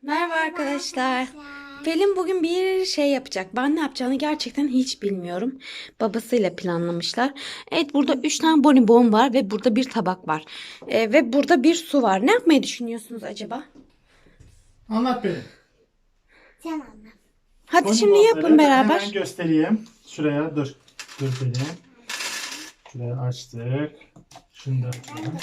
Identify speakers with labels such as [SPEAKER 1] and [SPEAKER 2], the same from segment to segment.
[SPEAKER 1] Merhaba arkadaşlar. Pelin bugün bir şey yapacak. Ben ne yapacağını gerçekten hiç bilmiyorum. Babasıyla planlamışlar. Evet, burada 3 tane bonibon var ve burada bir tabak var. Ve burada bir su var. Ne yapmayı düşünüyorsunuz acaba?
[SPEAKER 2] Anlat beni.
[SPEAKER 1] Sen anlat. Hadi şimdi
[SPEAKER 2] Bonibonları
[SPEAKER 1] yapın
[SPEAKER 2] ben hemen
[SPEAKER 1] beraber.
[SPEAKER 2] göstereyim. Şuraya dur. Dur beni. Şuraya açtık. Şunu da açalım.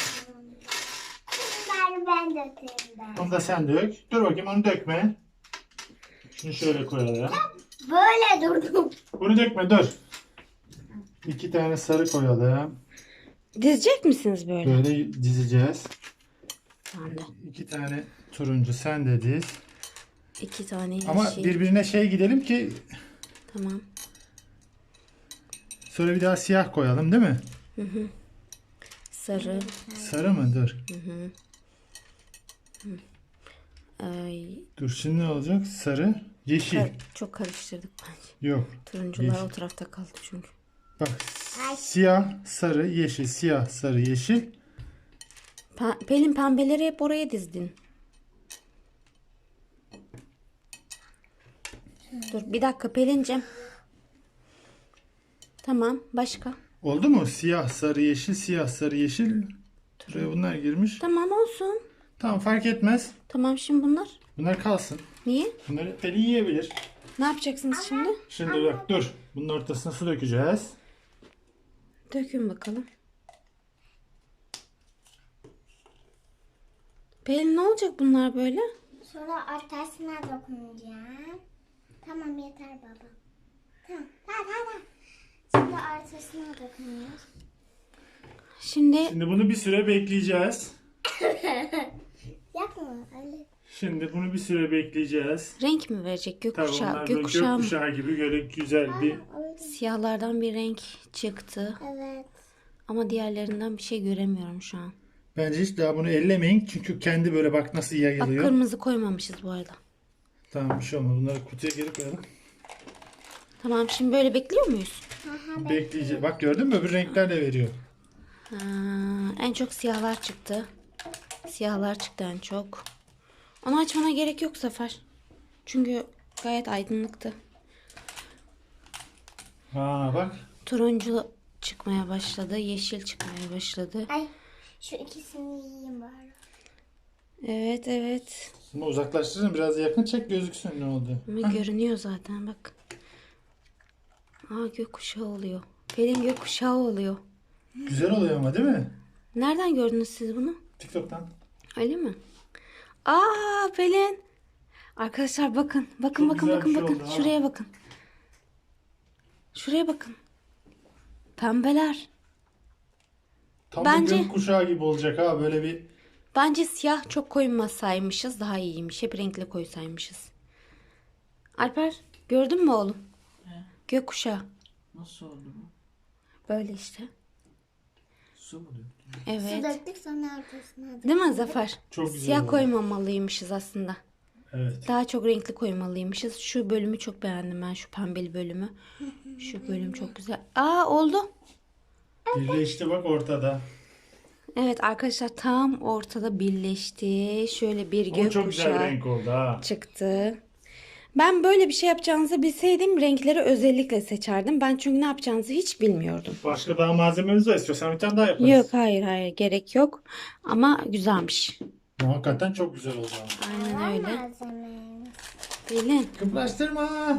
[SPEAKER 3] Ben dökeyim ben.
[SPEAKER 2] Onu da sen dök. Dur bakayım, onu dökme. Şunu şöyle koyalım.
[SPEAKER 3] Böyle durdum.
[SPEAKER 2] Bunu dökme, dur. 2 tane sarı koyalım.
[SPEAKER 1] Dizecek misiniz böyle?
[SPEAKER 2] Böyle dizeceğiz.
[SPEAKER 1] Ben de.
[SPEAKER 2] 2 tane turuncu sen de diz.
[SPEAKER 1] 2 tane yeşil.
[SPEAKER 2] Ama birbirine gidelim ki
[SPEAKER 1] Tamam.
[SPEAKER 2] sonra bir daha siyah koyalım, değil mi?
[SPEAKER 1] Sarı.
[SPEAKER 2] Sarı mı? Dur.
[SPEAKER 1] Ay,
[SPEAKER 2] Dur, şimdi ne olacak? Sarı, yeşil.
[SPEAKER 1] çok karıştırdık bence.
[SPEAKER 2] Yok.
[SPEAKER 1] Turuncular
[SPEAKER 2] Yeşil.
[SPEAKER 1] o tarafta kaldı çünkü.
[SPEAKER 2] Bak, siyah, sarı, yeşil, siyah, sarı, yeşil.
[SPEAKER 1] Pelin, pembeleri hep oraya dizdin. Dur bir dakika Pelin'cim. Tamam, başka.
[SPEAKER 2] Oldu mu? Siyah, sarı, yeşil, siyah, sarı, yeşil. Buraya bunlar girmiş.
[SPEAKER 1] Tamam, olsun.
[SPEAKER 2] Tamam, fark etmez.
[SPEAKER 1] Tamam, şimdi bunlar.
[SPEAKER 2] Bunlar kalsın.
[SPEAKER 1] Niye?
[SPEAKER 2] Bunları Pelin yiyebilir.
[SPEAKER 1] Ne yapacaksınız şimdi?
[SPEAKER 2] Şimdi bak, dur. Bunun ortasına su dökeceğiz.
[SPEAKER 1] Dökün bakalım. Pelin, ne olacak bunlar böyle?
[SPEAKER 3] Sonra ortasına dokunacağım. Tamam yeter baba. Tamam. Tamam. Şimdi ortasına dokunuyoruz.
[SPEAKER 1] Şimdi
[SPEAKER 2] Şimdi bunu bir süre bekleyeceğiz.
[SPEAKER 3] Yapma öyle.
[SPEAKER 2] Şimdi bunu bir süre bekleyeceğiz.
[SPEAKER 1] renk mi verecek?
[SPEAKER 2] Tabii
[SPEAKER 1] Gökkuşağı.
[SPEAKER 2] onlar böyle
[SPEAKER 1] Gökkuşağı mı?
[SPEAKER 2] gökkuşağı gibi böyle güzel bir...
[SPEAKER 3] Öyle.
[SPEAKER 1] Siyahlardan bir renk çıktı.
[SPEAKER 3] Evet.
[SPEAKER 1] Ama diğerlerinden bir şey göremiyorum şu an.
[SPEAKER 2] Bence hiç daha bunu ellemeyin. Çünkü kendi böyle bak nasıl
[SPEAKER 1] Bak,
[SPEAKER 2] yayılıyor.
[SPEAKER 1] kırmızı koymamışız bu arada.
[SPEAKER 2] Tamam, bir şey olmaz. Bunları kutuya geri koyalım.
[SPEAKER 1] Tamam, şimdi böyle bekliyor muyuz?
[SPEAKER 2] Bekleyeceğiz. Bak, gördün mü? Öbür renkler de veriyor.
[SPEAKER 1] Ha, en çok siyahlar çıktı. Siyahlar çıktı en çok. Onu açmana gerek yok Zafer. Çünkü gayet aydınlıktı.
[SPEAKER 2] Ha bak.
[SPEAKER 1] Turuncu çıkmaya başladı. Yeşil çıkmaya başladı.
[SPEAKER 3] Ay şu ikisini yiyeyim bari.
[SPEAKER 1] Evet, evet.
[SPEAKER 2] Bunu uzaklaştırın, biraz yakın çek, gözüksün ne oldu.
[SPEAKER 1] Ama görünüyor zaten bak. Aa, gökkuşağı oluyor. Pelin, gökkuşağı oluyor.
[SPEAKER 2] Güzel oluyor ama, değil mi?
[SPEAKER 1] Nereden gördünüz siz bunu?
[SPEAKER 2] TikTok'tan.
[SPEAKER 1] Öyle mi? Aa, Pelin. Arkadaşlar bakın. Bakın,
[SPEAKER 2] Çok
[SPEAKER 1] bakın,
[SPEAKER 2] güzel
[SPEAKER 1] bakın,
[SPEAKER 2] bir şey
[SPEAKER 1] bakın.
[SPEAKER 2] oldu ha.
[SPEAKER 1] Şuraya bakın. Şuraya bakın. Pembeler.
[SPEAKER 2] Tam
[SPEAKER 1] Bence-
[SPEAKER 2] bir gökkuşağı gibi olacak ha, böyle bir.
[SPEAKER 1] Bence siyah çok koymasaymışız daha iyiymiş. Hep renkli koysaymışız. Alper, gördün mü oğlum? Gökkuşağı.
[SPEAKER 4] Nasıl oldu bu?
[SPEAKER 1] Böyle işte.
[SPEAKER 4] Su mu döktün?
[SPEAKER 3] Su
[SPEAKER 1] Evet.
[SPEAKER 3] döktük sonra ortasına döktük.
[SPEAKER 1] Değil mi Zafer?
[SPEAKER 2] Çok güzel
[SPEAKER 1] Siyah
[SPEAKER 2] oldu.
[SPEAKER 1] koymamalıymışız aslında.
[SPEAKER 2] Evet.
[SPEAKER 1] Daha çok renkli koymalıymışız. Şu bölümü çok beğendim ben. Şu pembeli bölümü. Şu bölüm çok güzel. Aa, oldu.
[SPEAKER 2] Birleşti bak ortada.
[SPEAKER 1] Evet arkadaşlar, tam ortada birleşti. Şöyle bir
[SPEAKER 2] O çok güzel bir
[SPEAKER 1] gökkuşağı
[SPEAKER 2] renk oldu ha.
[SPEAKER 1] çıktı. Ben böyle bir şey yapacağınızı bilseydim renkleri özellikle seçerdim. Ben çünkü ne yapacağınızı hiç bilmiyordum.
[SPEAKER 2] Başka daha malzememiz var, istiyorsan bir tane daha yaparız.
[SPEAKER 1] Yok, hayır, hayır, gerek yok. Ama güzelmiş.
[SPEAKER 2] Ya, hakikaten çok güzel oldu ama.
[SPEAKER 1] Aynen öyle.
[SPEAKER 3] Malzememiz.
[SPEAKER 1] Pelin.
[SPEAKER 2] Kıplaştırma.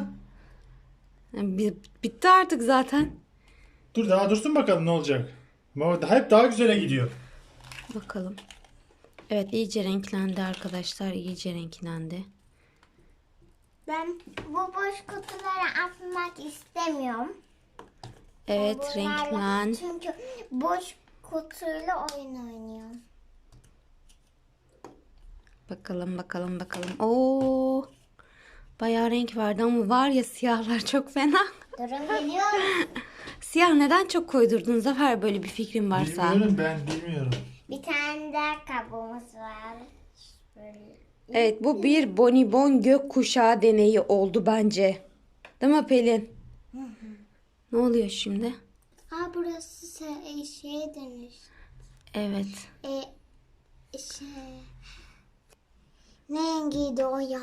[SPEAKER 1] Bitti artık zaten.
[SPEAKER 2] Dur, daha dursun bakalım ne olacak. Ama hep daha güzele gidiyor.
[SPEAKER 1] Bakalım. Evet, iyice renklendi arkadaşlar. İyice renklendi.
[SPEAKER 3] Ben bu boş kutuları atmak istemiyorum.
[SPEAKER 1] Evet,
[SPEAKER 3] Bunlarla-
[SPEAKER 1] renklen.
[SPEAKER 3] Çünkü boş kutuyla oyun oynuyorum.
[SPEAKER 1] Bakalım, bakalım, bakalım. Oo! Bayağı renk vardı ama var ya, siyahlar çok fena.
[SPEAKER 3] Durun geliyor.
[SPEAKER 1] Siyah neden çok koydurdun Zafer, böyle bir fikrin varsa?
[SPEAKER 2] Bilmiyorum, ben bilmiyorum.
[SPEAKER 3] Bir tane daha kabuğumuz var. Böyle.
[SPEAKER 1] Evet, bu bir bonibon gökkuşağı deneyi oldu bence. Değil mi Pelin? Ne oluyor şimdi?
[SPEAKER 3] Aa burası şeye dönüş.
[SPEAKER 1] Evet.
[SPEAKER 3] Şey. Ne rengiydi o ya?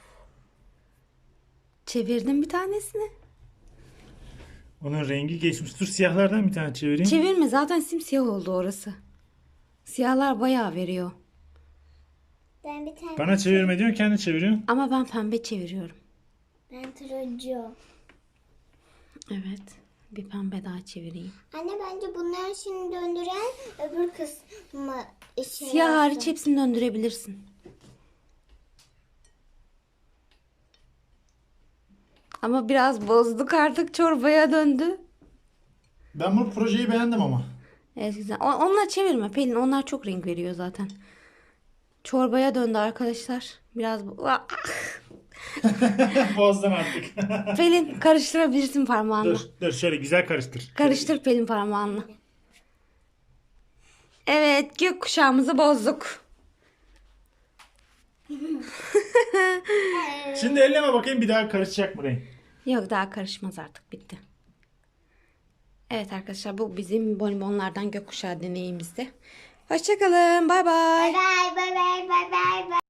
[SPEAKER 1] Çevirdim bir tanesini.
[SPEAKER 2] Onun rengi geçmiş. Dur siyahlardan bir tane çevireyim.
[SPEAKER 1] Çevirme, zaten simsiyah oldu orası. Siyahlar bayağı veriyor.
[SPEAKER 3] Ben bir tane.
[SPEAKER 2] Bana çevirme diyorsun, kendi çeviriyorsun.
[SPEAKER 1] Ama ben pembe çeviriyorum.
[SPEAKER 3] Ben turuncu.
[SPEAKER 1] Evet. Bir pembe daha çevireyim.
[SPEAKER 3] Anne bence bunları şimdi döndüren öbür kısmı
[SPEAKER 1] Siyah hariç hepsini döndürebilirsin. Ama biraz bozduk, artık çorbaya döndü.
[SPEAKER 2] Ben bu projeyi beğendim ama.
[SPEAKER 1] Evet, güzel. Onlar çevirme Pelin. Onlar çok renk veriyor zaten. Çorbaya döndü arkadaşlar. Biraz
[SPEAKER 2] Bozdun artık.
[SPEAKER 1] Pelin, karıştırabilirsin parmağınla.
[SPEAKER 2] dur şöyle güzel karıştır.
[SPEAKER 1] Karıştır Pelin parmağınla. Evet, gökkuşağımızı bozduk.
[SPEAKER 2] Şimdi elleme bakayım, bir daha karışacak mı renk?
[SPEAKER 1] Yok, daha karışmaz artık, bitti. Evet arkadaşlar, bu bizim bonibonlardan gökkuşağı deneyimizdi. Hoşçakalın, bay bay.
[SPEAKER 3] Bye bye bye bye bye bye.